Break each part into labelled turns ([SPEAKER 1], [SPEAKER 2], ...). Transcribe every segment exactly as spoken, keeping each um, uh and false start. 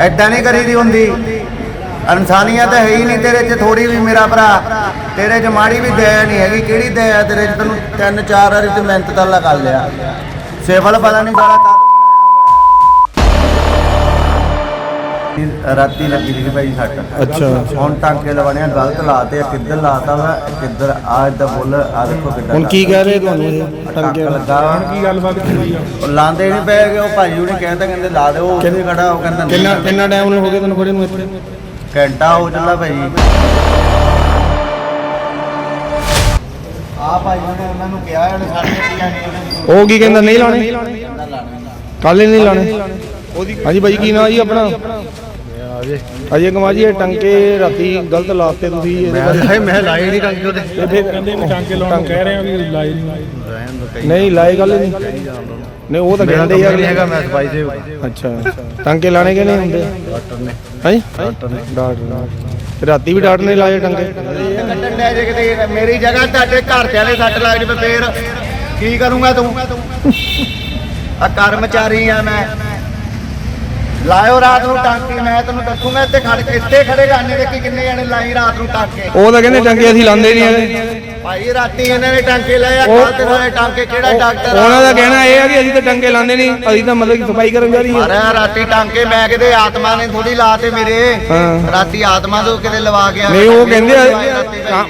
[SPEAKER 1] ਐਦਾਂ ਨਹੀਂ ਕਰੀਦੀ ਹੁੰਦੀ। ਇਨਸਾਨੀਅਤ ਹੈ ਹੀ ਨਹੀਂ ਤੇਰੇ 'ਚ ਥੋੜੀ ਵੀ ਮੇਰਾ ਭਰਾ, ਤੇਰੇ 'ਚ ਮਾੜੀ ਵੀ ਦਇਆ ਨਹੀਂ ਹੈਗੀ। ਕਿਹੜੀ ਦਇਆ ਤੇਰੇ 'ਚ? ਤੈਨੂੰ ਤਿੰਨ ਚਾਰ ਵਾਰੀ ਤੇ ਮਿਹਨਤ ਤਾਂ ਕਰ ਲਿਆ, ਸਿਵਲ ਪਤਾ ਨਹੀਂ ਸਾਰਾ ਕਾਹਤੋਂ ਰਾਤੀ ਲੱਗੀ ਸੀ ਭਾਈ ਸੱਟ।
[SPEAKER 2] ਅੱਛਾ
[SPEAKER 1] ਹੁਣ ਟਾਂਕੇ ਲਵਾਣੇ ਗਲਤ ਲਾਤੇ ਆ, ਕਿੱਧਰ ਲਾਤਾ ਵਾ ਕਿੱਧਰ ਆ ਇਦਾਂ ਬੁੱਲ ਆ ਦੇਖੋ ਕਿੱਦਾਂ।
[SPEAKER 2] ਹੁਣ ਕੀ ਕਹਿ ਰਹੇ ਤੁਹਾਨੂੰ ਇਹ
[SPEAKER 1] ਟਾਂਕੇ ਲੱਗਾ ਵਾ?
[SPEAKER 2] ਕੀ ਗੱਲਬਾਤ ਹੋਈ ਆ?
[SPEAKER 1] ਉਹ ਲਾਉਂਦੇ ਨਹੀਂ ਪਏ ਗਏ। ਉਹ ਭਾਈ ਉਹਨੇ ਕਹਿੰਦਾ ਕਹਿੰਦੇ ਲਾ ਦਿਓ, ਉੱਥੇ ਖੜਾ ਉਹ ਕਹਿੰਦਾ
[SPEAKER 2] ਕਿੰਨਾ ਕਿੰਨਾ ਟਾਈਮ ਹੋ ਗਿਆ ਤੁਹਾਨੂੰ ਖੜੇ ਨੂੰ ਇੱਥੇ?
[SPEAKER 1] ਘੰਟਾ ਹੋ ਚੱਲਾ ਭਾਈ। ਆ ਭਾਈ ਉਹਨੇ ਉਹਨਾਂ ਨੂੰ ਕਿਹਾ ਉਹਨੇ ਸਾਡੇ ਕੀ ਆਣੀ
[SPEAKER 2] ਉਹ ਕੀ ਕਹਿੰਦਾ? ਨਹੀਂ ਲਾਣੇ ਕੱਲ ਹੀ ਨਹੀਂ ਲਾਣੇ। ਹਾਂਜੀ ਭਾਈ ਕੀ ਨਾਂ ਜੀ ਆਪਣਾ? ਅਜੇ ਕੁਮਾਰ ਜੀ ਇਹ ਟੰਕੇ ਰਾਤੀ ਗਲਤ ਲਾਤੇ ਤੁਸੀਂ ਇਹਦੇ ਬਾਰੇ?
[SPEAKER 1] ਮੈਂ ਲਾਏ ਨਹੀਂ ਟਾਂਕੇ ਉਹਦੇ।
[SPEAKER 2] ਕਹਿੰਦੇ ਵੀ ਟਾਂਕੇ ਲਾਉਣ ਕਹਿ ਰਹੇ ਆ ਵੀ ਲਾਏ ਨਹੀਂ। ਨਹੀਂ ਲਾਏ ਗੱਲ ਨਹੀਂ। ਨਹੀਂ ਉਹ ਤਾਂ ਕਹਿੰਦੇ ਯਾਰ
[SPEAKER 1] ਨਹੀਂ ਹੈਗਾ, ਮੈਂ ਸਫਾਈ ਦੇ।
[SPEAKER 2] ਅੱਛਾ ਟਾਂਕੇ ਲਾਣੇ ਕਿ ਨਹੀਂ ਹੁੰਦੇ?
[SPEAKER 1] ਡਾਕਟਰ ਨੇ
[SPEAKER 2] ਹਾਂਜੀ ਡਾਕਟਰ ਨੇ ਡਾਕਟਰ ਰਾਤੀ ਵੀ ਡਾਕਟਰ ਨੇ ਲਾਏ ਟੰਕੇ।
[SPEAKER 1] ਕੱਟਣ ਦੇ ਜੇ ਕਿਤੇ ਮੇਰੀ ਜਗ੍ਹਾ ਤੁਹਾਡੇ ਘਰ ਤੇ ਵਾਲੇ ਸੱਟ ਲੱਗ ਜਵੇ ਫੇਰ ਕੀ ਕਰੂੰਗਾ ਤੂੰ? ਆ ਕਰਮਚਾਰੀ ਆ ਮੈਂ। ਲਾਇਓ ਰਾਤ ਨੂੰ ਟਾਂਕੇ, ਮੈਂ ਤੈਨੂੰ ਦੱਸੂਗਾ ਇੱਥੇ ਖੜ ਕੇ ਇੱਥੇ ਖੜੇ ਗਾਣੇ ਦੇਖੀ ਕਿੰਨੇ ਜਣੇ ਲਾਈ ਰਾਤ ਨੂੰ ਟਾਂਕੇ।
[SPEAKER 2] ਉਹ ਤਾਂ ਕਹਿੰਦੇ ਟੰਕੇ ਅਸੀਂ ਲਾਉਂਦੇ ਨਹੀਂ ਹੈਗੇ
[SPEAKER 1] ਭਾਈ। ਰਾਤੀ ਇਹਨਾਂ ਨੇ ਟਾਂਕੇ ਲਾਏ ਆ, ਕੱਲ ਤੇ ਸਾਰੇ ਟਾਂਕੇ ਕਿਹੜਾ ਡਾਕਟਰ?
[SPEAKER 2] ਉਹਨਾਂ ਦਾ ਕਹਿਣਾ ਇਹ ਆ ਕਿ ਅਸੀਂ ਤਾਂ ਟੰਕੇ ਲਾਉਂਦੇ ਨਹੀਂ, ਅਸੀਂ ਤਾਂ ਮਤਲਬ ਕਿ ਸਫਾਈ ਕਰਨ ਜਾ ਰਹੀ
[SPEAKER 1] ਅਰੇ ਰਾਤੀ ਟਾਂਕੇ ਮੈਂ ਕਿਤੇ ਆਤਮਾ ਨੇ ਥੋੜੀ ਲਾਤੇ ਮੇਰੇ।
[SPEAKER 2] ਹਾਂ
[SPEAKER 1] ਰਾਤੀ ਆਤਮਾ ਤੋਂ ਕਿਤੇ ਲਵਾ ਗਿਆ।
[SPEAKER 2] ਨਹੀਂ ਉਹ ਕਹਿੰਦੇ ਆ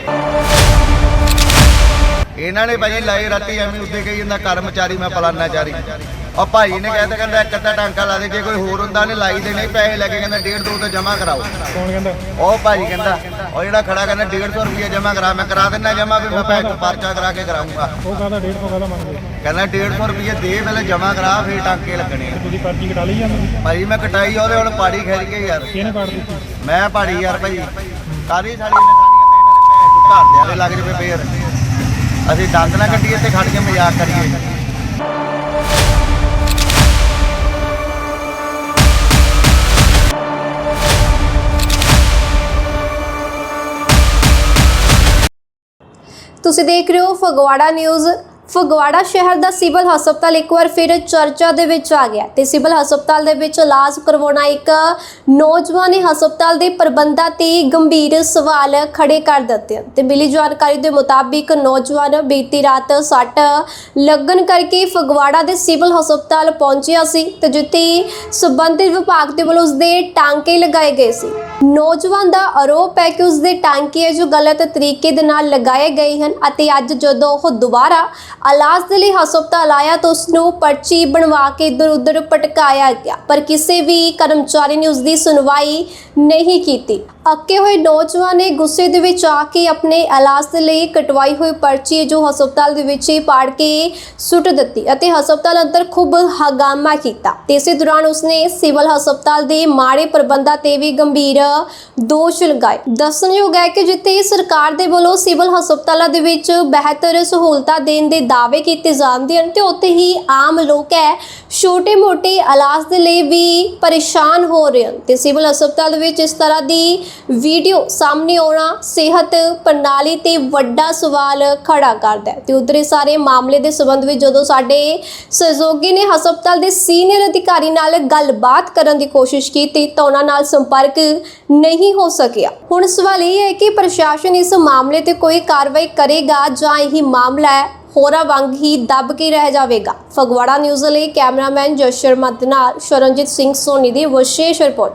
[SPEAKER 1] ਇਹਨਾਂ ਨੇ ਭਾਈ ਲਾਏ ਰਾਤੀ ਐਵੇਂ ਉੱਤੇ ਕਹੀ ਜਾਂਦਾ ਕਰਮਚਾਰੀ ਮੈਂ ਪਲਾਨਾ ਚਾਰੀ। ਉਹ ਭਾਈ ਨੇ ਕਹਿੰਦਾ ਕਹਿੰਦਾ ਇੱਕ ਅੱਧਾ ਟਾਂਕਾ ਲਾ ਦੇ, ਜੇ ਕੋਈ ਹੋਰ ਹੁੰਦਾ ਨੇ ਲਾਈ ਦੇਣੇ ਪੈਸੇ ਲੈ ਕੇ ਕਹਿੰਦਾ ਡੇਢ ਦੋ ਤੇ ਜਮਾ ਕਰਾਓ।
[SPEAKER 2] ਕੌਣ ਕਹਿੰਦਾ?
[SPEAKER 1] ਉਹ ਭਾਈ ਕਹਿੰਦਾ ਉਹ ਜਿਹੜਾ ਖੜਾ ਕਹਿੰਦਾ ਡੇਢ ਸੌ ਰੁਪਏ ਜਮਾ ਕਰਾ। ਮੈਂ ਕਰਾ ਦਿੰਦਾ ਜਮਾ, ਵੀ ਮੈਂ ਪੈਸੇ ਪਰਚਾ ਕਰਾ ਕੇ ਕਰਾਊਂਗਾ।
[SPEAKER 2] ਉਹ ਕਹਿੰਦਾ ਡੇਢ ਸੌ ਕਾਹਦਾ ਮੰਗਦੇ?
[SPEAKER 1] ਕਹਿੰਦਾ ਡੇਢ ਸੌ ਰੁਪਏ ਦੇ ਪਹਿਲੇ ਜਮਾ ਕਰਾ ਫੇਰ ਟਾਂਕੇ ਲੱਗਣੇ ਆ।
[SPEAKER 2] ਤੁਸੀਂ ਪਰਚੀ ਕਟਾ ਲਈ ਜਾਂਦੇ?
[SPEAKER 1] ਭਾਈ ਮੈਂ ਕਟਾਈ ਉਹਦੇ ਹੁਣ ਪਾੜੀ ਖਿੱਚ ਕੇ ਯਾਰ।
[SPEAKER 2] ਕਿਹਨੇ ਕੱਟ ਦਿੱਤੀ?
[SPEAKER 1] ਮੈਂ ਪਾੜੀ ਯਾਰ ਭਾਈ ਕਾਰੀ ਸਾਲੀ ਨੇ ਖਾਣੀਆਂ ਤੇ ਇਹਨਾਂ ਦੇ ਭੈਣ ਚੋਂ ਘਰ ਦੇ ਆਲੇ ਲੱਗ ਜਵੇ ਫੇਰ ਅਸੀਂ ਦੰਦ ਨਾ ਕੱਢੀਏ ਤੇ ਖੜ ਕੇ ਮਜ਼ਾਕ ਕਰੀਏ।
[SPEAKER 3] ਤੁਸੀਂ ਦੇਖ ਰਹੇ ਹੋ ਫਗਵਾੜਾ ਨਿਊਜ਼। ਫਗਵਾੜਾ ਸ਼ਹਿਰ ਦਾ ਸਿਵਲ ਹਸਪਤਾਲ ਇੱਕ ਵਾਰ ਫਿਰ ਚਰਚਾ ਦੇ ਵਿੱਚ ਆ ਗਿਆ ਤੇ ਸਿਵਲ ਹਸਪਤਾਲ ਦੇ ਵਿੱਚ ਇਲਾਜ ਕਰਵਾਉਣਾ ਇੱਕ ਨੌਜਵਾਨ ਨੇ ਹਸਪਤਾਲ ਦੇ ਪ੍ਰਬੰਧਾਂ ਤੇ ਗੰਭੀਰ ਸਵਾਲ ਖੜੇ ਕਰ ਦਿੱਤੇ ਤੇ ਮਿਲੀ ਜਾਣਕਾਰੀ ਦੇ ਮੁਤਾਬਿਕ ਨੌਜਵਾਨ ਬੀਤੀ ਰਾਤ ਸੱਟ ਲੱਗਣ ਕਰਕੇ ਫਗਵਾੜਾ ਦੇ ਸਿਵਲ ਹਸਪਤਾਲ ਪਹੁੰਚਿਆ ਸੀ ਤੇ ਜਿੱਥੇ ਸੰਬੰਧਿਤ ਵਿਭਾਗ ਦੇ ਵੱਲੋਂ ਉਸਦੇ ਟਾਂਕੇ ਲਗਾਏ ਗਏ ਸੀ। ਨੌਜਵਾਨ ਦਾ ਆਰੋਪ ਹੈ ਕਿ ਉਸਦੇ ਟਾਂਕੇ ਜੋ ਗਲਤ ਤਰੀਕੇ ਦੇ ਨਾਲ ਲਗਾਏ ਗਏ ਹਨ ਅਤੇ ਅੱਜ ਜਦੋਂ ਉਹ ਦੁਬਾਰਾ ਇਲਾਜ ਦੇ ਲਈ ਹਸਪਤਾਲ ਆਇਆ ਤਾਂ ਉਸ ਨੂੰ ਪਰਚੀ ਬਣਵਾ ਕੇ ਇੱਧਰ ਉੱਧਰ ਪਟਕਾਇਆ ਗਿਆ, ਪਰ ਕਿਸੇ ਵੀ ਕਰਮਚਾਰੀ ਨੇ ਉਸ ਦੀ ਸੁਣਵਾਈ ਨਹੀਂ ਕੀਤੀ। ਅੱਕੇ ਹੋਏ ਨੌਜਵਾਨ ਨੇ ਗੁੱਸੇ ਦੇ ਵਿੱਚ ਆ ਕੇ ਆਪਣੇ ਇਲਾਜ ਦੇ ਲਈ ਕਟਵਾਈ ਹੋਈ ਪਰਚੀ ਜੋ ਹਸਪਤਾਲ ਦੇ ਵਿੱਚ ਹੀ ਪਾੜ ਕੇ ਸੁੱਟ ਦਿੱਤੀ ਅਤੇ ਹਸਪਤਾਲ ਅੰਦਰ ਖੂਬ ਹੰਗਾਮਾ ਕੀਤਾ ਤੇ ਇਸੇ ਦੌਰਾਨ ਉਸਨੇ ਸਿਵਲ ਹਸਪਤਾਲ ਦੇ ਮਾੜੇ ਪ੍ਰਬੰਧਾਂ ਤੇ ਵੀ ਗੰਭੀਰ ਦੋਸ਼ ਲਗਾਏ। ਦੱਸਣਯੋਗ ਹੈ ਕਿ ਜਿੱਥੇ ਸਰਕਾਰ ਦੇ ਵੱਲੋਂ ਸਿਵਲ ਹਸਪਤਾਲਾਂ ਦੇ ਵਿੱਚ ਬਿਹਤਰ ਸਹੂਲਤਾਂ ਦੇਣ ਦੇ ਦਾਅਵੇ ਕੀਤੇ ਜਾਂਦੇ ਹਨ ਤੇ ਉੱਥੇ ਹੀ ਆਮ ਲੋਕ ਹੈ ਛੋਟੇ ਮੋਟੇ ਇਲਾਜ ਦੇ ਲਈ ਵੀ ਪਰੇਸ਼ਾਨ ਹੋ ਰਹੇ ਹਨ ਤੇ ਸਿਵਲ ਹਸਪਤਾਲ ਵਿੱਚ ਇਸ ਤਰ੍ਹਾਂ ਦੀ ਵੀਡੀਓ ਸਾਹਮਣੇ ਆਉਣਾ ਸਿਹਤ ਪ੍ਰਣਾਲੀ ਤੇ ਵੱਡਾ ਸਵਾਲ ਖੜਾ ਕਰਦਾ ਹੈ ਤੇ ਉਧਰੇ ਸਾਰੇ ਮਾਮਲੇ ਦੇ ਸੰਬੰਧ ਵਿੱਚ ਜਦੋਂ ਸਾਡੇ ਸਹਿਯੋਗੀ ਨੇ ਹਸਪਤਾਲ ਦੇ ਸੀਨੀਅਰ ਅਧਿਕਾਰੀ ਨਾਲ ਗੱਲਬਾਤ ਕਰਨ ਦੀ ਕੋਸ਼ਿਸ਼ ਕੀਤੀ ਤਾਂ ਉਹਨਾਂ ਨਾਲ ਸੰਪਰਕ ਨਹੀਂ ਹੋ ਸਕਿਆ। ਹੁਣ ਸਵਾਲ ਇਹ ਹੈ ਕਿ ਪ੍ਰਸ਼ਾਸਨ ਇਸ ਮਾਮਲੇ ਤੇ ਕੋਈ ਕਾਰਵਾਈ ਕਰੇਗਾ ਜਾਂ ਇਹ ਮਾਮਲਾ ਹੈ ਹੋਰਾਂ ਵਾਂਗ ਹੀ ਦੱਬ ਕੇ ਰਹਿ ਜਾਵੇਗਾ। ਫਗਵਾੜਾ ਨਿਊਜ਼ ਲਈ ਕੈਮਰਾਮੈਨ ਜਸ ਸ਼ਰਮਾ ਦੇ ਨਾਲ ਸ਼ਰਨਜੀਤ ਸਿੰਘ ਸੋਨੀ ਦੀ ਵਿਸ਼ੇਸ਼ ਰਿਪੋਰਟ।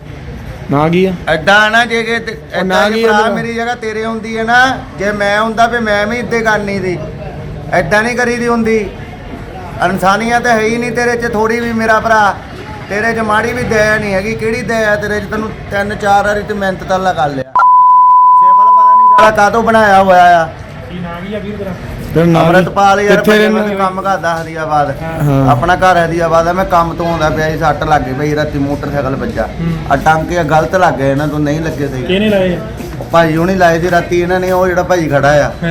[SPEAKER 2] ਨਾ ਕੀ ਆ
[SPEAKER 1] ਐਦਾਂ ਨਾ ਜੇ ਕਿ ਐਦਾਂ ਕਿ ਭਰਾ ਮੇਰੀ ਜਗ੍ਹਾ ਤੇਰੇ ਹੁੰਦੀ ਹੈ ਨਾ, ਜੇ ਮੈਂ ਹੁੰਦਾ ਫੇ ਮੈਂ ਵੀ ਇੱਦੇ ਕਰਨੀ ਦੀ। ਐਦਾਂ ਨਹੀਂ ਕਰੀਦੀ ਹੁੰਦੀ। ਇਨਸਾਨੀਅਤ ਹੈ ਹੀ ਨਹੀਂ ਤੇਰੇ 'ਚ ਥੋੜੀ ਵੀ ਮੇਰਾ ਭਰਾ, ਤੇਰੇ 'ਚ ਮਾੜੀ ਵੀ ਦਇਆ ਨਹੀਂ ਹੈਗੀ। ਕਿਹੜੀ ਦਇਆ ਤੇਰੇ 'ਚ? ਤੈਨੂੰ ਤਿੰਨ ਚਾਰ ਵਾਰੀ ਤੇ ਮਿਹਨਤ ਤਾਂ ਕਰ ਲਿਆ, ਸਿਵਲ ਪਤਾ ਨਹੀਂ ਸਾਲਾ ਕਾਹਤੋਂ ਬਣਾਇਆ ਹੋਇਆ ਆ।
[SPEAKER 2] ਕੀ ਨਾਂ ਕੀ ਆ ਵੀਰ ਤੇਰਾ?
[SPEAKER 1] ਅਮਰਤਪਾਲ ਯਾਰ ਕੰਮ ਕਰਦਾ ਹਰੀਆਬਾਦ, ਆਪਣਾ ਘਰ ਹਰੀਆਬਾਦ ਆ। ਮੈਂ ਕੰਮ ਤੋਂ ਆਉਂਦਾ ਪਿਆ ਸੀ, ਸੱਟ ਲੱਗ ਗਈ ਬਈ ਰਾਤੀ ਮੋਟਰਸਾਈਕਲ ਵੱਜਾ। ਆ ਟਾਂਕੇ ਗਲਤ ਲੱਗ ਗਏ, ਇਹਨਾਂ ਤੋਂ ਨਹੀਂ ਲੱਗੇ ਸਹੀ।
[SPEAKER 2] ਕਿਹਨੇ ਲਾਏ?
[SPEAKER 1] ਭਾਈ ਹੁਣੀ ਲਾਏ ਸੀ ਰਾਤੀ ਇਹਨਾਂ ਨੇ। ਉਹ ਜਿਹੜਾ ਭਾਈ ਖੜਾ ਆ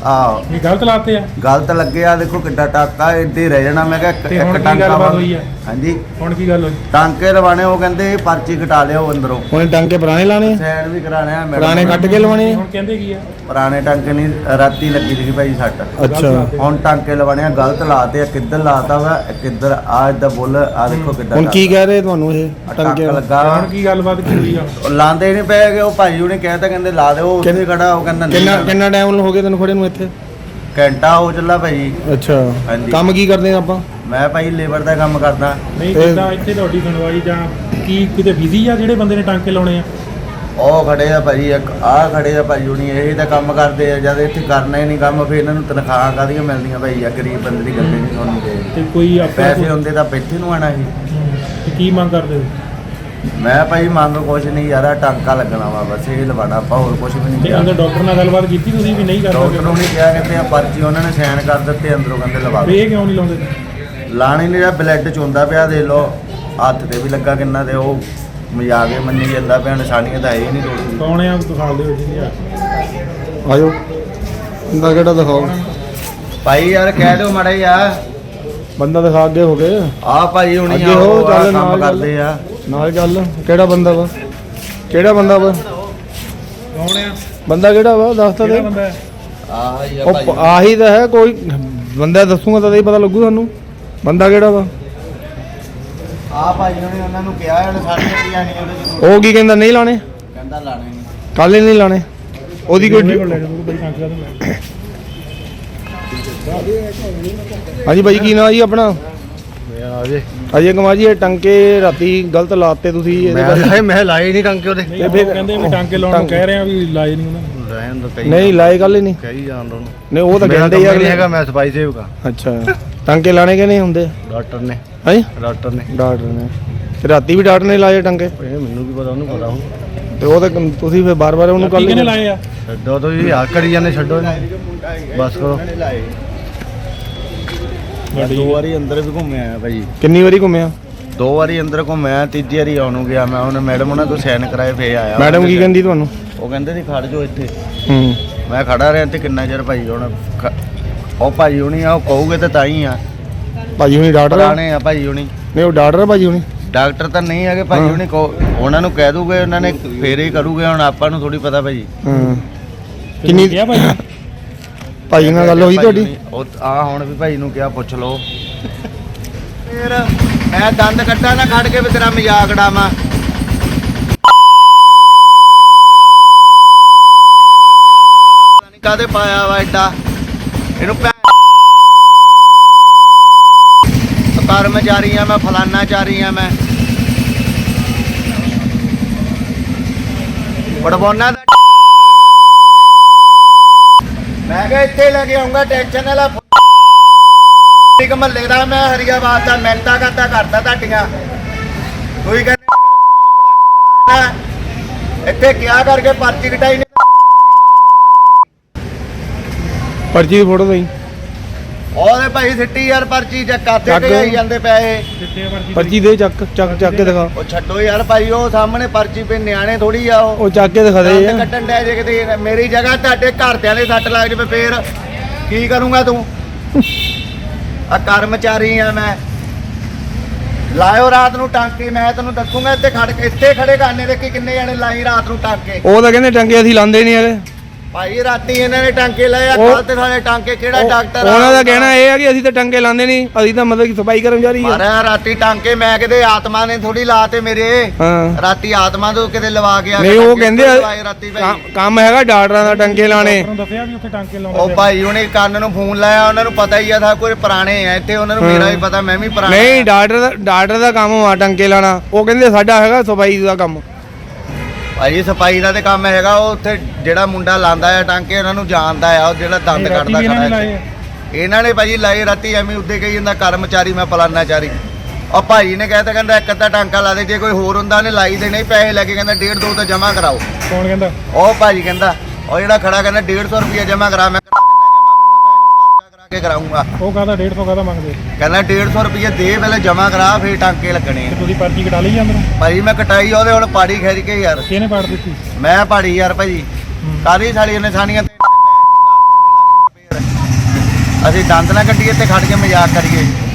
[SPEAKER 1] ਆਹੋ
[SPEAKER 4] ਇਹ ਗਲਤ ਲਾਤੇ ਆ
[SPEAKER 1] ਗਲਤ ਲੱਗਿਆ, ਦੇਖੋ ਕਿੱਡਾ ਟਾਕਾ ਇੱਦਾਂ ਹੀ ਰਹਿ ਜਾਣਾ। ਮੈਂ ਕਿਹਾ ਇੱਕ-
[SPEAKER 4] ਤੇ ਹੁਣ
[SPEAKER 1] ਇੱਕ
[SPEAKER 4] ਕੀ
[SPEAKER 1] ਟਾਂਕਾ
[SPEAKER 4] ਗੱਲਬਾਤ
[SPEAKER 1] ਵਾ-
[SPEAKER 4] ਹੋਈ ਆ?
[SPEAKER 1] ਹਾਂਜੀ
[SPEAKER 4] ਹੁਣ ਕੀ ਗੱਲ ਹੋਈ?
[SPEAKER 1] ਟਾਂਕੇ ਲਵਾਣੇ, ਉਹ ਕਹਿੰਦੇ ਪਰਚੀ ਕਟਾ ਲਿਓ ਅੰਦਰੋਂ,
[SPEAKER 2] ਉਹਨੇ ਟਾਂਕੇ ਪੁਰਾਣੇ ਲਾਣੇ ਆ?
[SPEAKER 1] ਸਾਈਡ ਵੀ ਕਰਾਣੇ ਆ ਮੈਡਮ।
[SPEAKER 2] ਪੁਰਾਣੇ ਕੱਟ ਕੇ ਲਵਾਣੇ ਆ?
[SPEAKER 4] ਹੁਣ ਕਹਿੰਦੇ ਕੀ ਆ?
[SPEAKER 1] ਪੁਰਾਣੇ ਟਾਂਕੇ ਨਹੀਂ, ਰਾਤੀ ਲੱਗੀ ਸੀ ਭਾਈ ਸੱਟ।
[SPEAKER 2] ਅੱਛਾ
[SPEAKER 1] ਹੁਣ ਟਾਂਕੇ ਲਵਾਣੇ ਆ, ਗਲਤ ਲਾਤੇ ਆ। ਕਿੱਧਰ ਲਾਤਾ ਵਾ, ਕਿੱਧਰ ਆ ਇਦਾਂ ਬੁੱਲ ਆ ਦੇਖੋ ਕਿੱਦਾਂ
[SPEAKER 2] ਹੁਣ ਕੀ ਕਹਿ ਰਹੇ ਤੁਹਾਨੂੰ ਇਹ
[SPEAKER 1] ਟਾਂਕਾ
[SPEAKER 2] ਟਾਂਕੇ?
[SPEAKER 1] ਲੱਗਾ ਵਾ।
[SPEAKER 4] ਹੁਣ ਕੀ ਗੱਲਬਾਤ ਕੀ ਹੋਈ ਆ?
[SPEAKER 1] ਉਹ ਲਾਉਂਦੇ ਨਹੀਂ ਪਏ ਗਏ, ਉਹ ਭਾਈ ਉਹਨੇ ਕਹਿਤਾ ਕਹਿੰਦੇ ਲਾ ਦਿਓ, ਉੱਥੇ ਖੜਾ ਉਹ ਕਹਿੰਦਾ ਨਹੀਂ
[SPEAKER 2] ਕਿੰਨਾ
[SPEAKER 1] ਲਾਉਣਾ।
[SPEAKER 2] ਕਿੰਨਾ ਟਾਈਮ ਹੋ ਗਿਆ ਤੈਨੂੰ ਖੜੇ ਨੂੰ ਇੱਥੇ?
[SPEAKER 1] ਘੰਟਾ ਹੋ ਚੱਲਾ ਭਾਈ।
[SPEAKER 2] ਅੱਛਾ
[SPEAKER 1] ਹਾਂਜੀ।
[SPEAKER 2] ਕੰਮ ਕੀ ਕਰਦੇ ਆ ਆਪਾਂ?
[SPEAKER 1] ਮੈਂ ਭਾਈ ਲੇਬਰ ਦਾ ਕੰਮ ਕਰਦਾ।
[SPEAKER 4] ਨਹੀਂ
[SPEAKER 2] ਤੇ-
[SPEAKER 4] ਕਿੱਦਾਂ ਇੱਥੇ ਤੁਹਾਡੀ ਸੁਣਵਾਈ ਜਾਂ ਕੀ ਕਿਤੇ ਬਿਜ਼ੀ ਆ ਜਿਹੜੇ ਬੰਦੇ ਨੇ ਟਾਂਕੇ ਲਾਉਣੇ ਆ?
[SPEAKER 1] ਉਹ ਖੜੇ ਆ ਭਾਈ, ਇੱਕ ਆਹ ਖੜੇ ਆ ਭਾਈ ਹੁਣੀ, ਇਹ ਤਾਂ ਕੰਮ ਕਰਦੇ ਆ। ਜਦ ਇੱਥੇ ਕਰਨਾ ਹੀ ਨਹੀਂ ਕੰਮ, ਫਿਰ ਇਹਨਾਂ ਨੂੰ ਤਨਖਾਹਾਂ ਕਾਹਦੀਆਂ ਮਿਲਦੀਆਂ ਭਾਈ? ਆ ਗਰੀਬ ਬੰਦੇ ਦੀ ਗੱਲੇ ਨਹੀਂ ਸੁਣਨੀ
[SPEAKER 4] ਤੇ
[SPEAKER 1] ਤੇ
[SPEAKER 4] ਕੋਈ ਆਪਣਾ
[SPEAKER 1] ਪੈਸੇ ਹੁੰਦੇ ਤਾਂ ਬੈਠੇ ਨੂੰ ਆਣਾ ਸੀ।
[SPEAKER 4] ਤੇ ਕੀ ਮੰਗ ਕਰਦੇ ਹੋ?
[SPEAKER 1] ਮੈਂ ਭਾਈ ਮੰਗ ਕੁਛ ਨਹੀਂ ਯਾਰ, ਆਹ ਟਾਂਕਾ ਲੱਗਣਾ ਵਾ ਬਸ, ਇਹ ਲਵਾਣਾ ਆਪਾਂ, ਹੋਰ ਕੁਛ ਵੀ ਨਹੀਂ
[SPEAKER 4] ਤੇ
[SPEAKER 1] ਕਿਹਾ।
[SPEAKER 4] ਅੰਦਰ ਡਾਕਟਰ ਨਾਲ ਗੱਲਬਾਤ ਕੀਤੀ ਤੁਸੀਂ ਵੀ ਨਹੀਂ ਕਰ
[SPEAKER 1] ਡਾਕਟਰ
[SPEAKER 4] ਸਕਦੇ?
[SPEAKER 1] ਨੂੰ ਨਹੀਂ ਕਿਹਾ, ਕਹਿੰਦੇ ਆ ਪਰਚੀ ਉਹਨਾਂ ਨੇ ਸਾਈਨ ਕਰ ਦਿੱਤੇ, ਅੰਦਰੋਂ ਕਹਿੰਦੇ ਲਵਾ
[SPEAKER 4] ਵੀ
[SPEAKER 1] ਦਿਓ।
[SPEAKER 4] ਇਹ ਕਿਉਂ ਨਹੀਂ ਲਾਉਂਦੇ?
[SPEAKER 1] ਲਾਣੀ ਨਹੀਂ, ਜਿਹੜਾ ਬਲੱਡ ਚੋਂਦਾ ਪਿਆ ਦੇ ਲੋ, ਹੱਥ ਤੇ ਵੀ ਲੱਗਾ ਕਿੰਨਾ, ਤੇ ਉਹ ਮਜ਼ਾਕ ਹੀ ਮੰਨੀ ਜਾਂਦਾ ਪਿਆ, ਨਿਸ਼ਾਨੀਆਂ ਤਾਂ ਹੈ ਹੀ ਨਹੀਂ ਕੋਈ।
[SPEAKER 4] ਕੌਣ ਆ ਦਿਖਾ ਦਿਓ ਜੀ ਆ
[SPEAKER 2] ਆਜੋ ਬੰਦਾ ਕਿਹੜਾ ਦਿਖਾਓ?
[SPEAKER 1] ਭਾਈ ਯਾਰ ਕਹਿ ਦਿਓ ਮਾੜਾ ਯਾਰ,
[SPEAKER 2] ਬੰਦਾ ਦਿਖਾ ਅੱਗੇ ਹੋ ਕੇ
[SPEAKER 1] ਆ ਭਾਈ ਹੁਣੀ
[SPEAKER 2] ਅੱਗੇ
[SPEAKER 1] ਆ,
[SPEAKER 2] ਹੋ,
[SPEAKER 1] ਉਹ ਆਹ
[SPEAKER 2] ਚੱਲ
[SPEAKER 1] ਕੰਮ
[SPEAKER 2] ਨਾਲ ਚੱਲ।
[SPEAKER 1] ਕਰਦੇ ਆ।
[SPEAKER 2] ਨਾਲ ਚੱਲ। ਕਿਹੜਾ ਬੰਦਾ ਵਾ? ਕਿਹੜਾ ਬੰਦਾ ਵਾ?
[SPEAKER 4] ਕੌਣ ਆ?
[SPEAKER 2] ਬੰਦਾ ਕਿਹੜਾ ਵਾ ਦੱਸ ਤਾਂ
[SPEAKER 4] ਕਿਹੜਾ
[SPEAKER 2] ਦੇ।
[SPEAKER 4] ਬੰਦਾ ਹੈ?
[SPEAKER 1] ਆਹ ਹੀ ਆ
[SPEAKER 2] ਉਹ ਪ- ਆਹੀ ਤਾਂ ਹੈ, ਕੋਈ ਬੰਦਾ ਦੱਸੂਗਾ ਤਾਂ ਹੀ ਪਤਾ ਲੱਗੂ ਤੁਹਾਨੂੰ ਬੰਦਾ ਕਿਹੜਾ ਵਾ।
[SPEAKER 1] ਆ ਭਾਈ ਉਹਨੇ ਉਹਨਾਂ ਨੂੰ ਕਿਹਾ ਉਹਨੇ ਸਾਡੇ ਕੀ ਆਣੀ ਉਹਦੇ
[SPEAKER 2] ਉਹ ਕੀ ਕਹਿੰਦਾ? ਨਹੀਂ ਲਾਣੇ,
[SPEAKER 1] ਕਹਿੰਦਾ ਲਾਣੇ ਨਹੀਂ।
[SPEAKER 2] ਕੱਲ ਹੀ ਨਹੀਂ ਲਾਣੇ। ਉਹਦੀ ਕੋਈ
[SPEAKER 4] ਉਹਦੇ ਕੋਲ ਲੈ ਜਾਓ ਬਈ ਟਾਂਕੇ ਦਾ ਲੈ
[SPEAKER 2] ਹਾਂਜੀ ਬਾਈ ਕੀ ਨਾਂ ਜੀ ਆਪਣਾ?
[SPEAKER 1] ਅਜੇ
[SPEAKER 2] ਅਜੇ ਕੁਮਾਰ ਜੀ, ਇਹ ਟੰਕੇ ਰਾਤੀ ਗਲਤ ਲਾਤੇ ਤੁਸੀਂ ਇਹਦੇ ਬਾਰੇ?
[SPEAKER 1] ਮੈਂ ਮੈਂ ਲਾਏ ਨਹੀਂ ਟੰਕੇ ਉਹਦੇ।
[SPEAKER 4] ਨਹੀਂ ਉਹ ਕਹਿੰਦੇ ਵੀ ਟਾਂਕੇ ਲਾਉਣ ਨੂੰ ਕਹਿ ਰਹੇ ਆ ਵੀ ਲਾਏ ਨਹੀਂ ਉਹਨਾਂ ਨੇ।
[SPEAKER 1] ਰਹਿਣ ਦੋ ਕਈ
[SPEAKER 2] ਨਹੀਂ ਲਾਏ ਗੱਲ ਹੀ ਨਹੀਂ।
[SPEAKER 1] ਕਹੀ ਜਾਣ ਦੋ
[SPEAKER 2] ਨਹੀਂ ਉਹ ਤਾਂ ਕਹਿੰਦੇ ਯਾਰ
[SPEAKER 1] ਨਹੀਂ ਹੈਗਾ, ਮੈਂ ਸਫਾਈ ਸੇਵਕ ਆ।
[SPEAKER 2] ਅੱਛਾ ਟੰਕੇ ਲਾਣੇ ਕਿ ਨਹੀਂ ਹੁੰਦੇ?
[SPEAKER 1] ਡਾਕਟਰ ਨੇ
[SPEAKER 2] ਹਾਂਜੀ
[SPEAKER 1] ਡਾਕਟਰ ਨੇ
[SPEAKER 2] ਡਾਕਟਰ ਨੇ ਤੇ ਰਾਤੀ ਵੀ ਡਾਕਟਰ ਨੇ ਲਾਏ ਟੰਕੇ?
[SPEAKER 1] ਇਹ ਮੈਨੂੰ ਵੀ ਪਤਾ, ਉਹਨੂੰ ਪਤਾ ਹੋ।
[SPEAKER 2] ਤੇ ਉਹ ਤਾਂ ਤੁਸੀਂ ਫਿਰ ਬਾਰ-ਬਾਰ ਉਹਨੂੰ
[SPEAKER 4] ਕੀ
[SPEAKER 2] ਕੱਲ
[SPEAKER 4] ਕਿਹਨੇ ਲਾਏ ਆ?
[SPEAKER 1] ਛੱਡੋ ਤੁਸੀਂ ਆ ਕਰੀ ਜਾਂਦੇ, ਛੱਡੋ ਬਸ ਕਰੋ। ਦੋ ਵਾਰੀ ਅੰਦਰ ਵੀ ਘੁੰਮਿਆ ਭਾਈ,
[SPEAKER 2] ਕਿੰਨੀ ਵਾਰੀ ਘੁੰਮਿਆ?
[SPEAKER 1] ਦੋ ਵਾਰੀ ਅੰਦਰ ਘੁੰਮਿਆ, ਤੀਜੀ ਵਾਰੀ ਆਉਣ ਨੂੰ ਗਿਆ ਮੈਂ। ਉਹਨੇ ਮੈਡਮ ਉਹਨਾਂ ਤੋਂ ਸਾਈਨ ਕਰਾਏ ਫੇਰ ਆਇਆ।
[SPEAKER 2] ਮੈਡਮ ਕੀ ਕਹਿੰਦੀ ਤੁਹਾਨੂੰ?
[SPEAKER 1] ਉਹ ਕਹਿੰਦੇ ਸੀ ਖੜ ਜਾਓ ਇੱਥੇ।
[SPEAKER 2] ਹੂੰ
[SPEAKER 1] ਮੈਂ ਖੜਾ ਰਿਹਾ ਤੇ ਕਿੰਨਾ ਚਿਰ ਭਾਈ ਹੁਣ ਖ- ਉਹ ਭਾਈ ਹੁਣੀ ਆ, ਉਹ ਕਹੂਗੇ ਤਾਂ ਤਾਂ ਹੀ ਆ।
[SPEAKER 2] ਭਾਜੀ ਹੁਣੀ ਡਾਕਟਰ ਆ?
[SPEAKER 1] ਪੁਰਾਣੇ ਆ ਭਾਈ ਹੁਣੀ,
[SPEAKER 2] ਨਹੀਂ ਉਹ ਡਾਕਟਰ ਆ ਭਾਜੀ ਹੁਣੀ?
[SPEAKER 1] ਡਾਕਟਰ ਤਾਂ ਨਹੀਂ ਹੈਗੇ ਭਾਈ
[SPEAKER 2] ਹਾਂ।
[SPEAKER 1] ਹੁਣੀ। ਕਹੋ ਉਹਨਾਂ ਨੂੰ ਕਹਿ ਦੂਗੇ, ਉਹਨਾਂ ਨੇ ਫੇਰ ਹੀ ਕਰੂਗੇ। ਹੁਣ ਆਪਾਂ ਨੂੰ ਥੋੜੀ ਪਤਾ ਭਾਈ।
[SPEAKER 2] ਹਾਂ
[SPEAKER 4] ਕਿੰਨੀ
[SPEAKER 2] ਕਿੰਨੀ
[SPEAKER 4] ਕਿਹਾ ਭਾਈ?
[SPEAKER 2] ਭਾਜੀ ਨਾਲ ਗੱਲ ਹੋਈ
[SPEAKER 1] ਭਾਈ
[SPEAKER 2] ਤੁਹਾਡੀ?
[SPEAKER 1] ਹੁਣੀ- ਉਹ ਆ ਹੁਣ ਵੀ ਭਾਈ ਨੂੰ ਕਿਹਾ, ਪੁੱਛ ਲਓ। ਫੇਰ ਮੈਂ ਦੰਦ ਕੱਟਾ ਨਾ ਖੜ ਕੇ ਵੀ ਤੇਰਾ ਮਜ਼ਾਕ ਉਡਾਵਾਂ। ਕਾਦੇ ਪਾਇਆ ਵਾ ਐਡਾ ਇਹਨੂੰ ਭੈ- ਕਰਮਚਾਰੀ ਆ ਮੈਂ, ਫਲਾਨਾ ਚਾਰੀ ਆ ਮੈਂ, ਬੜਬੋਨਾ ਦਾ। ਮੈਂ ਕਿਹਾ ਇੱਥੇ ਲੈ ਕੇ ਆਉਂਗਾ, ਟੈਨਸ਼ਨ ਵਾਲਾ ਇੱਕ ਮਹੱਲੇ ਦਾ ਮੈਂ, ਹਰੀਆਬਾਦ ਦਾ ਮਿਹਨਤਾਂ ਕਰਦਾ ਕਰਦਾ ਤੁਹਾਡੀਆਂ। ਕੋਈ ਕਹਿੰਦੇ ਇੱਥੇ ਕਿਆ ਕਰਕੇ ਪਰਚੀ ਕਟਾਈ ਨੇ।
[SPEAKER 2] ਪਰਚੀ ਦੀ ਫੋਟੋ ਦਈ।
[SPEAKER 1] ਉਹਦੇ ਭਾਈ ਸਿੱਟੀ ਯਾਰ ਪਰਚੀ ਚੱਕਾਤੇ
[SPEAKER 2] ਚੱਕ।
[SPEAKER 1] ਤੇ ਆਈ ਜਾਂਦੇ ਪੈਸੇ।
[SPEAKER 4] ਕਿੱਥੇ ਆ ਪਰਚੀ?
[SPEAKER 2] ਪਰਚੀ ਦੇ ਚੱਕ ਚੱਕ ਚੱਕ ਕੇ ਦਿਖਾ।
[SPEAKER 1] ਉਹ ਛੱਡੋ ਯਾਰ ਭਾਈ, ਉਹ ਸਾਹਮਣੇ ਪਰਚੀ ਪੇ ਨਿਆਣੇ ਥੋੜੀ ਆ। ਉਹ
[SPEAKER 2] ਉਹ ਚੱਕ ਕੇ ਦਿਖਾ ਦੇ
[SPEAKER 1] ਦੰਦ
[SPEAKER 2] ਯਾਰ।
[SPEAKER 1] ਕੱਟਣ ਡੈ ਜੇ ਕਿਤੇ ਮੇਰੀ ਜਗ੍ਹਾ ਤੁਹਾਡੇ ਘਰਦਿਆਂ ਦੇ ਸੱਟ ਲੱਗ ਜਵੇ ਫੇਰ ਕੀ ਕਰੂੰਗਾ ਤੂੰ? ਆ ਕਰਮਚਾਰੀ ਆ ਮੈਂ। ਲਾਇਓ ਰਾਤ ਨੂੰ ਟਾਂਕੇ, ਮੈਂ ਤੈਨੂੰ ਦੱਸੂਗਾ। ਇੱਥੇ ਖੜ ਕੇ ਇੱਥੇ ਖੜੇ ਕਰਨੇ ਦੇ ਕਿ ਕਿੰਨੇ ਜਣੇ ਲਾਈ ਰਾਤ ਨੂੰ ਟਾਂਕੇ।
[SPEAKER 2] ਉਹ ਤਾਂ ਕਹਿੰਦੇ ਟੰਕੇ ਅਸੀਂ ਲਾਉਂਦੇ ਨਹੀਂ ਹੈਗੇ।
[SPEAKER 1] ਭਾਈ ਰਾਤੀ ਇਹਨਾਂ ਨੇ ਟਾਂਕੇ ਲਾਏ ਆ,
[SPEAKER 2] ਉਹ-
[SPEAKER 1] ਕੱਲ ਤੇ ਸਾਡੇ ਟਾਂਕੇ ਕਿਹੜਾ
[SPEAKER 2] ਉਹ-
[SPEAKER 1] ਡਾਕਟਰ
[SPEAKER 2] ਉਹਨਾਂ ਦਾ ਕਹਿਣਾ ਇਹ ਹੈ ਕਿ ਅਸੀਂ ਤਾਂ ਟੰਕੇ ਲਾਉਂਦੇ ਨਹੀਂ, ਅਸੀਂ ਤਾਂ ਮਤਲਬ ਕਿ ਸਫਾਈ ਕਰਮਚਾਰੀ ਆ।
[SPEAKER 1] ਮਾਰਿਆ ਰਾਤੀ ਟਾਂਕੇ, ਮੈਂ ਕਿਤੇ ਆਤਮਾ ਨੇ ਥੋੜੀ ਲਾਤੇ ਮੇਰੇ।
[SPEAKER 2] ਹਾਂ
[SPEAKER 1] ਰਾਤੀ ਆਤਮਾ ਤੋਂ ਕਿਤੇ ਲਵਾ ਕੇ ਆ
[SPEAKER 2] ਨਹੀਂ
[SPEAKER 1] ਕੇ
[SPEAKER 2] ਉਹ
[SPEAKER 1] ਟਾਂਕੇ
[SPEAKER 2] ਕਹਿੰਦੇ ਆ,
[SPEAKER 1] ਲਵਾਏ ਰਾਤੀ ਭਾਈ।
[SPEAKER 2] ਕੰਮ- ਕੰਮ ਹੈਗਾ ਡਾਕਟਰਾਂ ਦਾ ਟੰਕੇ ਲਾਣੇ।
[SPEAKER 4] ਡਾਕਟਰ ਨੂੰ ਦੱਸਿਆ ਵੀ ਉੱਥੇ ਟਾਂਕੇ ਲਾਉਂਦੇ
[SPEAKER 1] ਉਹ
[SPEAKER 4] ਪਏ ਆ।
[SPEAKER 1] ਭਾਈ ਉਹਨੇ ਕੰਨ ਨੂੰ ਫੋਨ ਲਾਇਆ, ਉਹਨਾਂ ਨੂੰ ਪਤਾ ਹੀ ਆ ਥਾ ਕੋਈ ਪੁਰਾਣੇ ਆ ਇੱਥੇ, ਉਹਨਾਂ ਨੂੰ
[SPEAKER 2] ਹਾਂ।
[SPEAKER 1] ਮੇਰਾ ਵੀ ਪਤਾ, ਮੈਂ ਵੀ ਪੁਰਾਣਾ
[SPEAKER 2] ਨਹੀਂ ਡਾਕਟਰ ਦਾ ਡਾਕਟਰ ਦਾ ਕੰਮ ਆ ਟੰਕੇ ਲਾਣਾ। ਉਹ ਕਹਿੰਦੇ ਸਾਡਾ ਹੈਗਾ ਸਫਾਈ ਦਾ ਕੰਮ।
[SPEAKER 1] ਭਾਈ ਸਫਾਈ ਦਾ ਤੇ ਕੰਮ ਹੈਗਾ। ਉਹ ਉੱਥੇ ਜਿਹੜਾ ਮੁੰਡਾ ਲਾਂਦਾ ਆ ਟਾਂਕੇ, ਉਹਨਾਂ ਨੂੰ ਜਾਣਦਾ ਆ, ਉਹ ਜਿਹੜਾ ਦੰਦ
[SPEAKER 4] ਇਹ ਰਾਤੀ
[SPEAKER 1] ਕੱਢਦਾ
[SPEAKER 4] ਵੀ ਇਹਨਾਂ ਨੇ
[SPEAKER 1] ਖੜਾ
[SPEAKER 4] ਲਾਏ
[SPEAKER 1] ਹੈ।
[SPEAKER 4] ਆ।
[SPEAKER 1] ਇਹਨਾਂ ਨੇ ਭਾਜੀ ਲਾਏ ਰਾਤੀ, ਐਵੇਂ ਉੱਦੇ ਕਹੀ ਜਾਂਦਾ ਕਰਮਚਾਰੀ ਮੈਂ ਫਲਾਨਾਚਾਰੀ। ਉਹ ਭਾਈ ਨੇ ਕਹਿਤਾ, ਕਹਿੰਦਾ ਇੱਕ ਅੱਧਾ ਟਾਂਕਾ ਲਾ ਦੇ, ਜੇ ਕੋਈ ਹੋਰ ਹੁੰਦਾ ਉਹਨੇ ਲਾਈ ਦੇ, ਨਹੀਂ ਪੈਸੇ ਲੈ ਕੇ ਕਹਿੰਦਾ ਡੇਢ ਦੋ ਤਾਂ ਜਮ੍ਹਾਂ ਕਰਾਓ।
[SPEAKER 4] ਕੌਣ ਕਹਿੰਦਾ?
[SPEAKER 1] ਉਹ ਭਾਜੀ ਕਹਿੰਦਾ, ਉਹ ਜਿਹੜਾ ਖੜਾ ਕਹਿੰਦਾ ਡੇਢ ਸੌ ਰੁਪਇਆ ਜਮ੍ਹਾਂ ਕਰਾ। ਮੈਂ ਕਰਾ ਦਿੰਦਾ ਜਮ੍ਹਾਂ, ਫਿਰ ਮੈਂ ਪਰਚਾ ਕਰਾ ਕੇ ਕਰਾਊਂਗਾ।
[SPEAKER 4] ਉਹ ਕਹਿੰਦਾ ਡੇਢ ਸੌ ਕਾਹਦਾ ਮੰਗਦੇ?
[SPEAKER 1] ਕਹਿੰਦਾ ਡੇਢ ਸੌ ਰੁਪਇਆ ਦੇ, ਪਹਿਲੇ ਜਮ੍ਹਾਂ ਕਰਾ, ਫਿਰ ਟਾਂਕੇ ਲੱਗਣੇ
[SPEAKER 4] ਤੇ
[SPEAKER 1] ਆ।
[SPEAKER 4] ਤੁਸੀਂ ਪਰਚੀ ਕਟਾ ਲਈ ਅੰਦਰੋਂ?
[SPEAKER 1] ਭਾਜੀ ਮੈਂ ਕਟਾਈ ਉਹਦੇ, ਹੁਣ ਪਾੜੀ ਖਿੱਚ ਕੇ ਯਾਰ।
[SPEAKER 4] ਕਿਹਨੇ ਪਾੜ ਦਿੱਤੀ?
[SPEAKER 1] ਮੈਂ ਪਾੜੀ ਯਾਰ ਭਾਜੀ,
[SPEAKER 4] ਹੂੰ।
[SPEAKER 1] ਕਾਦੀ ਸਾਲੀ ਨਿਸ਼ਾਨੀਆਂ ਤੇ ਅਸੀਂ ਦੰਦ ਨਾ ਕੱਢੀਏ ਤੇ ਖੜ ਕੇ ਮਜ਼ਾਕ ਕਰੀਏ।